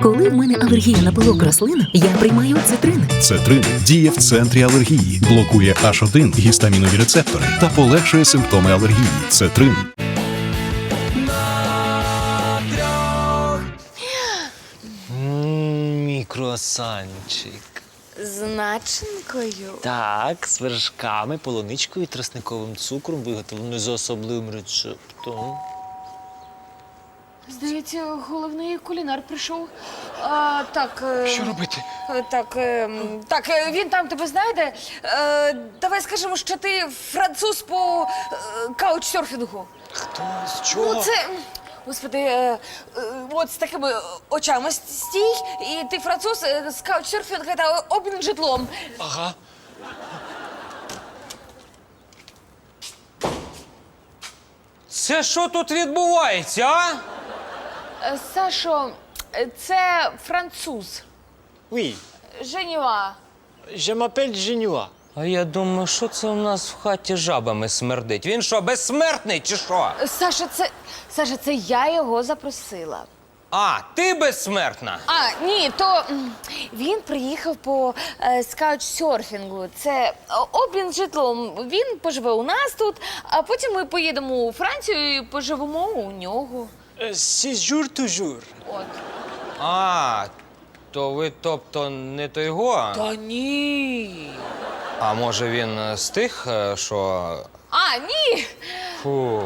Коли в мене алергія на пилок рослин, я приймаю цитрин. Цетрин діє в центрі алергії, блокує H1 гістамінові рецептори та полегшує симптоми алергії. Цетрин. Мій круасанчик. З начинкою? Так, з вершками, полуничкою і тростниковим цукром, виготовленою за особливим рецептом. Здається, головний кулінар прийшов. Так. Що робити? Він там тебе знайде. Давай скажемо, що ти француз по каучсерфінгу. Хто? З чого? Ну, це. Господи, от з такими очами стій, і ти француз з каучсерфінга та обмін житлом. Ага. Це що тут відбувається, а? Сашо, це француз. Oui, Женюа. je m'appelle Женюа. А я думаю, що це у нас в хаті жабами смердить? Він що, безсмертний чи що? Саша, це я його запросила. А, ти безсмертна? Ні, він приїхав по скаучсерфінгу. Це обмін житлом. Він поживе у нас тут, а потім ми поїдемо у Францію і поживемо у нього. Séjour toujours. От. А, то ви, тобто, не той го? Та ні. А може він з тих, що... Ні. Фу.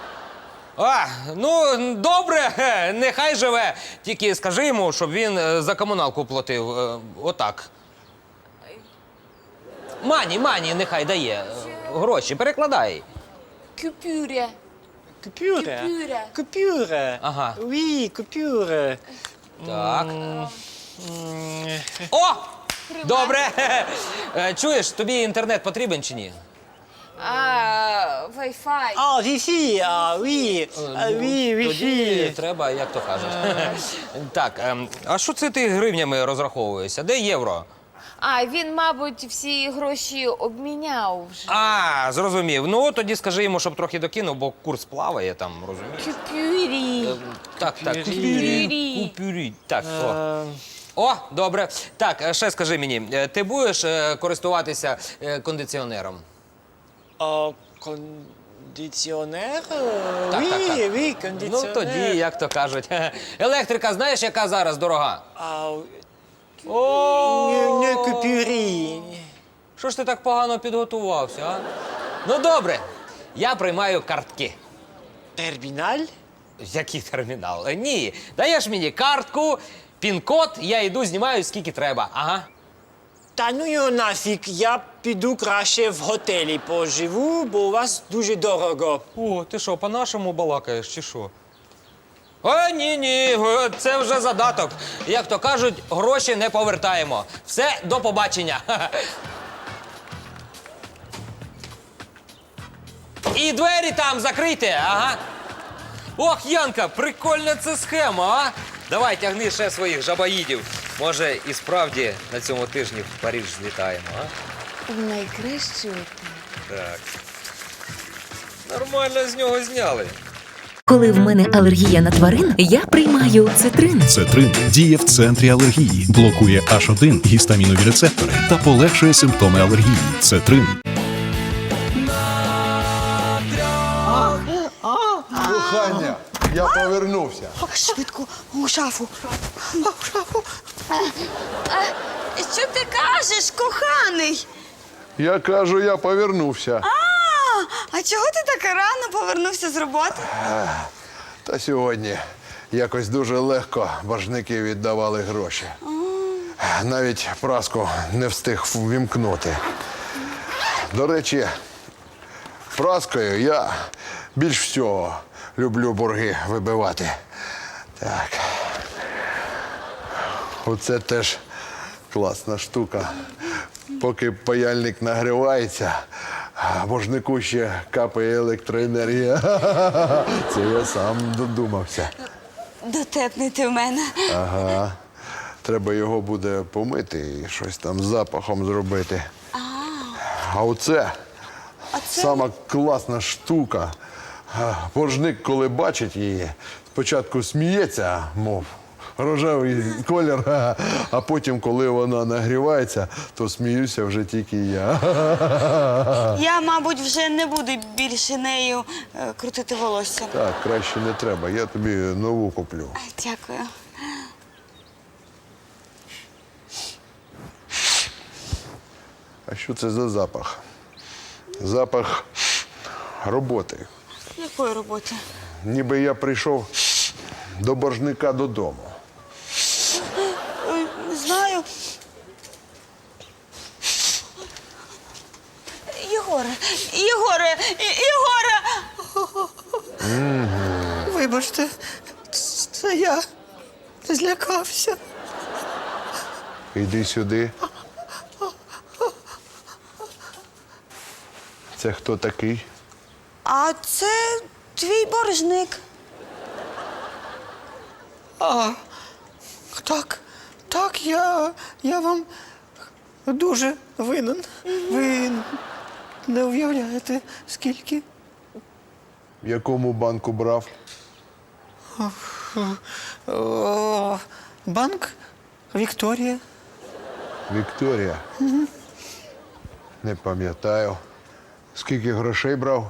Ну, добре, нехай живе. Тільки скажи йому, щоб він за комуналку платив. Отак. Мані, нехай дає. Гроші, перекладай. Купюря. Coupure. Coupure. Coupure. Ага. Oui, coupure. Так. О! Добре. Чуєш, тобі інтернет потрібен чи ні? Wi-Fi. Ah, Wi-Fi. Ah, oui. Ah, oui, Тоді Wi-Fi. треба, як то кажуть. Так, а що це ти гривнями розраховуєшся? Де євро? Він, мабуть, всі гроші обміняв вже. Зрозумів. Ну, тоді скажи йому, щоб трохи докинув, бо курс плаває там, розумієш? Купюрі. Так, Купюрі. купюрі. Так, о, добре. Так, ще скажи мені, ти будеш користуватися кондиціонером? Кондиціонер? Так, Oui, так. oui, Ну, кондиціонер. тоді, як то кажуть. Електрика, знаєш, яка зараз дорога? Не купюрі. Що ж ти так погано підготувався, а? Ну, добре, я приймаю картки. Терміналь? Який термінал? Ні, даєш мені картку, пін-код, я йду, знімаю скільки треба. Ага. Та ну його нафіг, я піду краще в готелі поживу, бо у вас дуже дорого. О, ти що, по-нашому балакаєш, чи що? Ні, це вже задаток. Як то кажуть, гроші не повертаємо. Все, до побачення. І двері там закрийте, ага. Ох, Янка, прикольна це схема, а? Давай, тягни ще своїх жабаїдів. Може, і справді на цьому тижні в Париж злітаємо, а? В найкращу. Так. Нормально з нього зняли. Коли в мене алергія на тварин, я приймаю цитрин. Цетрин діє в центрі алергії, блокує H1 гістамінові рецептори та полегшує симптоми алергії. Цетрин. Кохання, я повернувся. Швидко, у шафу. У шафу. Що ти кажеш, коханий? Я кажу, я повернувся. А чого ти так рано повернувся з роботи? Та сьогодні якось дуже легко боржники віддавали гроші. Навіть праску не встиг ввімкнути. До речі, праскою я більш всього люблю борги вибивати. Так. Оце теж класна штука. Поки паяльник нагрівається, а боржнику ще капає електроенергія. Це я сам додумався. Дотепний ти в мене. Ага. Треба його буде помити і щось там з запахом зробити. А оце сама класна штука. Боржник, коли бачить її, спочатку сміється, мов рожевий колір, а потім, коли вона нагрівається, то сміюся вже тільки я. Я, мабуть, вже не буду більше нею крутити волосся. Так, краще не треба, я тобі нову куплю. Дякую. А що це за запах? Запах роботи. Якої роботи? Ніби я прийшов до боржника додому. Не знаю. Єгоре! Вибачте, це я злякався. Іди сюди. Це хто такий? А це твій боржник. Так, я вам дуже винен. Ви не уявляєте, скільки. В якому банку брав? Банк Вікторія. Вікторія. Не пам'ятаю. Скільки грошей брав?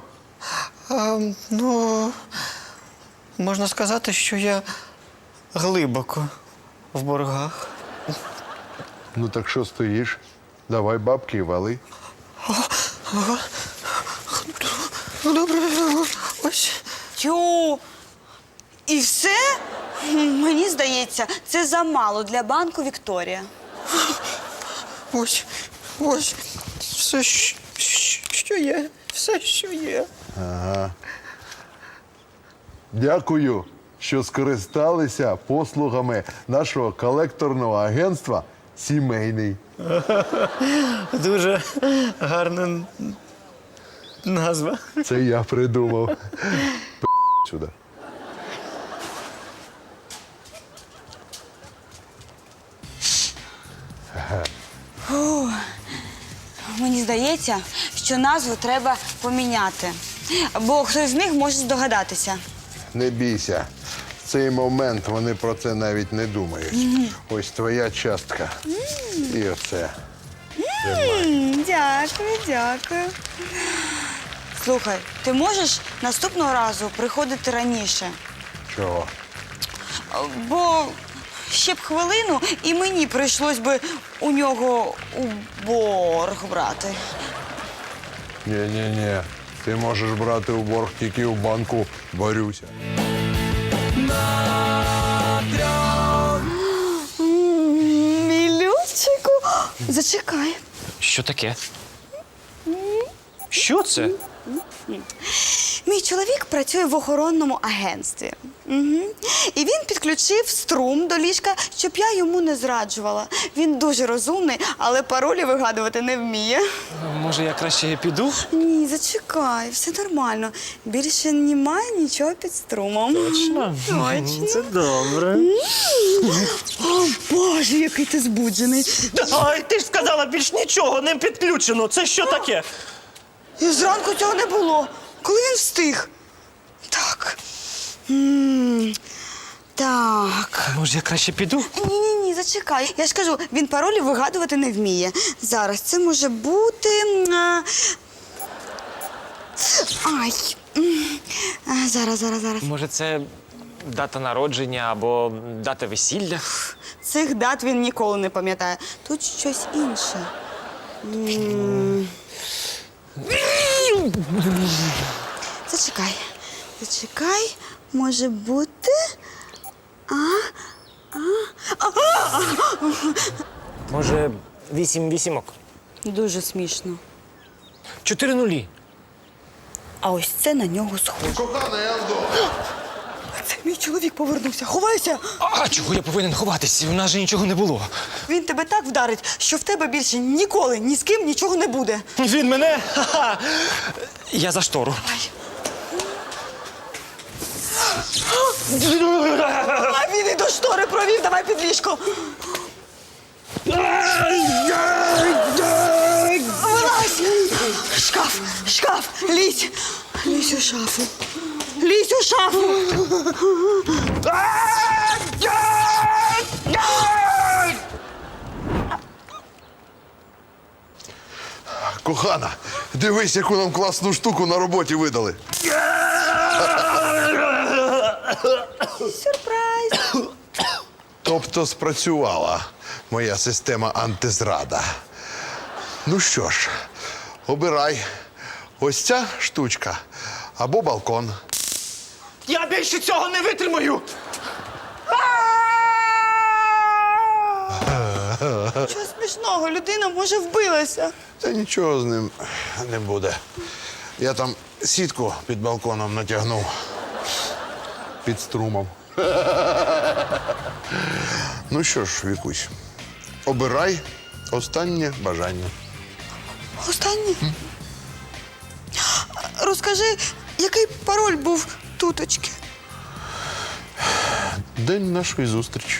Можна сказати, що я глибоко в боргах. Ну так що стоїш? Давай бабки і вали. Добре, ось. Тю. І все? Мені здається, це замало для банку Вікторія. Ось. Все, що є. Все, що є. Дякую, що скористалися послугами нашого колекторного агентства «Сімейний». Дуже гарна назва. Це я придумав. Сюди. Мені здається, що назву треба поміняти. Бо хтось з них може здогадатися. Не бійся. В цей момент вони про це навіть не думають. Ось твоя частка. І оце. Дякую. Слухай, ти можеш наступного разу приходити раніше? Чого? Бо ще б хвилину, і мені прийшлось би у нього у борг брати. Ні. Ти можеш брати у борг тільки у банку «Борюся». Мілючику, зачекай. Що таке? Що це? Мій чоловік працює в охоронному агентстві. І він підключив струм до ліжка, щоб я йому не зраджувала. Він дуже розумний, але паролі вигадувати не вміє. Може, я краще піду? Ні, зачекай, все нормально. Більше немає нічого під струмом. Точно? Це добре. О, Боже, який ти збуджений. Ай, ти ж сказала, більш нічого не підключено. Це що таке? І зранку цього не було. Коли він встиг? Так. Так. Може, я краще піду? Ні, зачекай. Я ж кажу, він паролі вигадувати не вміє. Зараз це може бути. Ай. Зараз. Може, це дата народження або дата весілля? Цих дат він ніколи не пам'ятає. Тут щось інше. Зачекай. Може бути. Може, 8 вісімок? Дуже смішно. 4 нулі. А ось це на нього схоже. Кохана, я вдома. Це мій чоловік повернувся. Ховайся! А чого я повинен ховатись? У нас же нічого не було. Він тебе так вдарить, що в тебе більше ніколи ні з ким нічого не буде. Він мене? Ха-ха. Я за штору. А він і до штори провів, давай під ліжко. Вилазь! Шкаф, лізь у шафу. Кохана, дивись, яку нам класну штуку на роботі видали. Сюрприз! Тобто спрацювала моя система антизрада. Ну що ж, обирай. Ось ця штучка або балкон. Я більше цього не витримаю! Чого смішного? Людина, може, вбилася. Та нічого з ним не буде. Я там сітку під балконом натягнув. Під струмом. Ну що ж, Вікусь, обирай останнє бажання. Останнє? Розкажи, який пароль був туточки? День нашої зустрічі.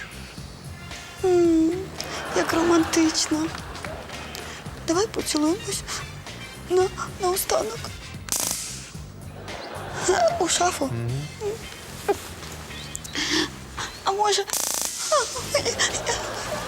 Як романтично. Давай поцілуємось на останок. У шафу. А може.